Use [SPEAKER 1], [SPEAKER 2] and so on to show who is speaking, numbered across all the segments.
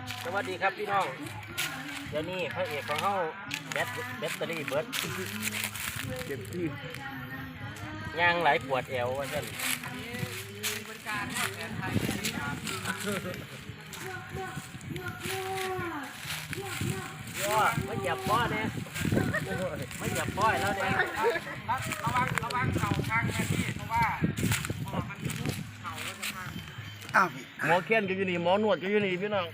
[SPEAKER 1] สวัสดีครับพี่น้องเดี๋ยวนี้พระเอกของเขาแบตเตอรี่เบิร์ดเต็มที่ย่างไหลปวดแอวว่าเช่นย่อไม่หยับป้อเนี่ยไม่หยับป้อยแล้วเนี่ย
[SPEAKER 2] ระวังเข่าข้างแค่ที่เพราะว่ามันยุบเข่าแล้วจะพัง
[SPEAKER 3] หมอเคียนก็อยู่นี่หมอนวดก็อยู่นี่พี่น้อง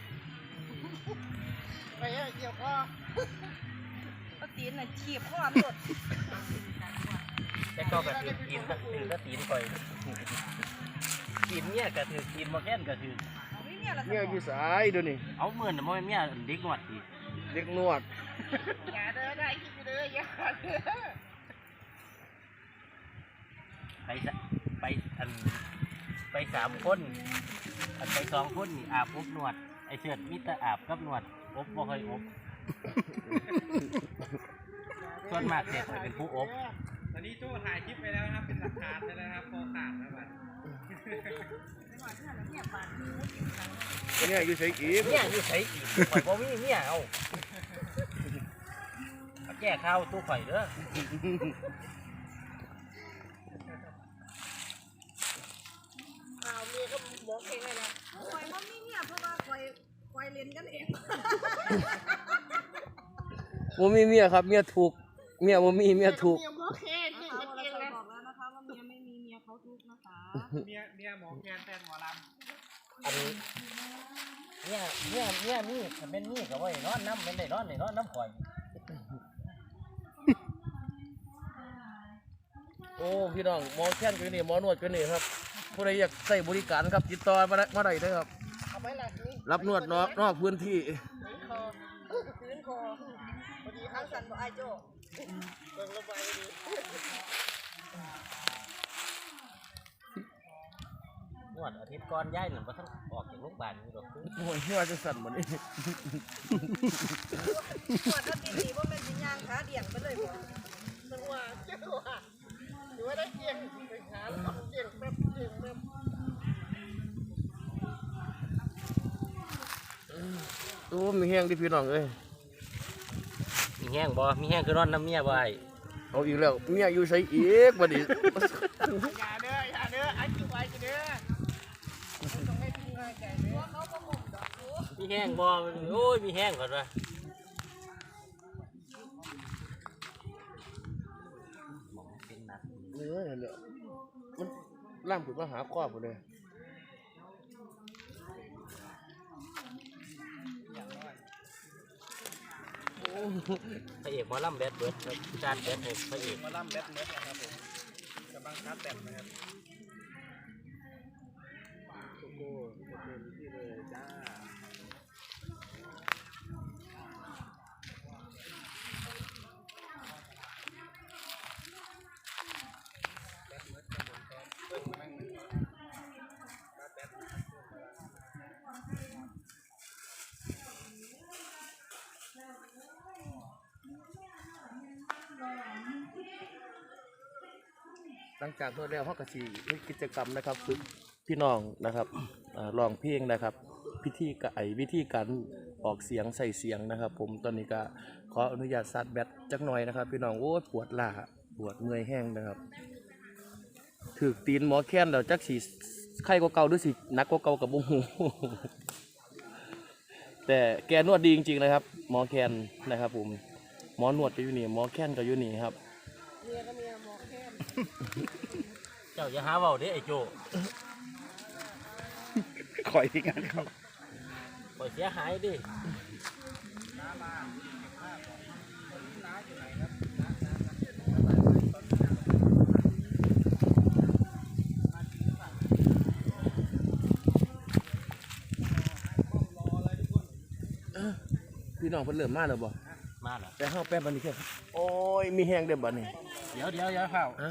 [SPEAKER 2] ไปเกี่ยวคอ
[SPEAKER 4] ก็ตีนน่ะฉีบข้อหมด
[SPEAKER 1] แต่ก็แบบถือกินก็ตีนคอยกินเนี่ยก็ถือกินหมอเคียนก็ถือ
[SPEAKER 3] เนี่ยอยู่สายเดี๋ยวนี้
[SPEAKER 1] เอาเหมือนมันเนี่ยเด็กหนวดอีก
[SPEAKER 3] เด็กนวด
[SPEAKER 2] อย่าเด้อได้คิดเด้ออย่าเด้อ
[SPEAKER 1] ไป3 คนไป2 คนนี่อาบอบนวดไอเชิดมิตรอาบกับนวดอบบ่เคยอบส่วนมากเด็กเป็นผู้อบ
[SPEAKER 2] ตอนนี้โจ้ถ่ายคลิปไปแล้วนะครับเป็นหลักฐานไปแล้วครับพอขาดแล้วบัด
[SPEAKER 3] เนี่ยอยู่ใส่กีบ
[SPEAKER 1] เนี่ยอยู่ใส่กีบข่อยบ่มีเนี่ยเอาแก้ข้าวตู้ข่อยเด้อ
[SPEAKER 4] เมียก็บอกเองเลยนะคอยว่ามีเนี่ยเพราะว่าคอยเล่นกันเอง
[SPEAKER 3] ผมมีเมียครับเมียถูกเมียผมมีเมียถูก
[SPEAKER 4] เมียหมอแคนที่จะเองเลยบอกแล้วนะคะว่าเมียไม่มีเมียเขาทุกนะคะ
[SPEAKER 2] เมียหมอแคนแฟนหมอลำ
[SPEAKER 1] อันนี้เนี่ยมีถ้าเป็นมีก็ไว้นอนน้ำเป็นได้นอนได้นอนน้ำข่อย
[SPEAKER 3] โอ้พี่น้องหมอแค้นก็นี่หมอนวดก็นี่ครับผู้ใดอยากใส่บริการครับติดต่อมาได้เลยครับรับนวดนอกพื้นที่
[SPEAKER 4] พื้นคอพอดีข้างสันบอกไอ้โจ้เบิ่งระบายดี
[SPEAKER 1] นวดอาทิตย์ก่อนย้ายหนึ่งก็ทั้งออกจากโรงพยาบาลนี่หรอก
[SPEAKER 3] โอ้ยเชื่อจะสั่นเหมือนนี่
[SPEAKER 4] นวดแล้วตีว่าเป็นวิญญาณขาเดี่ยงไปเลยบ่
[SPEAKER 2] จังหวะหรือว่าได้เกี่ยงไปขาแล้วเกี่ยงแป๊บ
[SPEAKER 3] โอ้มีแห้งดิพี่น้องเอ้ย
[SPEAKER 1] มีแห้งบ่มีแห้งคือนอนน้ำเมียบ่
[SPEAKER 3] เอาอีกแล้วเมียอยู่ใส่อีกบัดนี้
[SPEAKER 2] อย่าเด้อไอ้จิ๋วไอ้เด้อต้องให้พี่ให้ใจเด้อเขาก็งงดอก
[SPEAKER 1] มีแห้งบ่โอ้ยมีแห้งก่อนวะ
[SPEAKER 3] เนี่ยมันล่ามถึงมาหาครอบเลย
[SPEAKER 1] พระเอกหมอลำแบดเบิร์ดจานแบดพระเอก
[SPEAKER 2] หมอลำแบดเบิร์ดนะครับผมกำลังคัดแบดนะครับ
[SPEAKER 3] โอ้โหที่เลยจ้าหลังจากนวดแล้วเขาก็สิมีกิจกรรมนะครับฝึกพี่น้องนะครับร้องเพลงนะครับวิธีการออกเสียงใส่เสียงนะครับผมตอนนี้ก็ขออนุญาตซัดแบตจักหน่อยนะครับพี่น้องโอ้ปวดล้าปวดเมื่อยแห้งนะครับถือตีนหมอแค้นแล้วจักสีไข้กว่าเก่าด้วยสินักกว่าเก่ากับบุ้งหูแต่แกนวดดีจริงๆนะครับหมอแค้นนะครับผมหมอนวดก็อยู่นี่หมอแค้นก็อยู่นี่ครับ
[SPEAKER 4] เมียก็เมียหมอแคน
[SPEAKER 1] เจ้าอย่าหาเว้าเด้ไอ้โจ้
[SPEAKER 3] คอยที่งานเขา
[SPEAKER 1] ปล่อยเสียหายดิ
[SPEAKER 3] พี่น้องเพิ่นเริ่มมาแล้วบ่
[SPEAKER 1] มาเหรอ
[SPEAKER 3] แต่เฮาแป๊บบัดนี้แค่โอ้ยมีแห้งเด้อบัดนี้
[SPEAKER 1] เดี๋ยวข้าว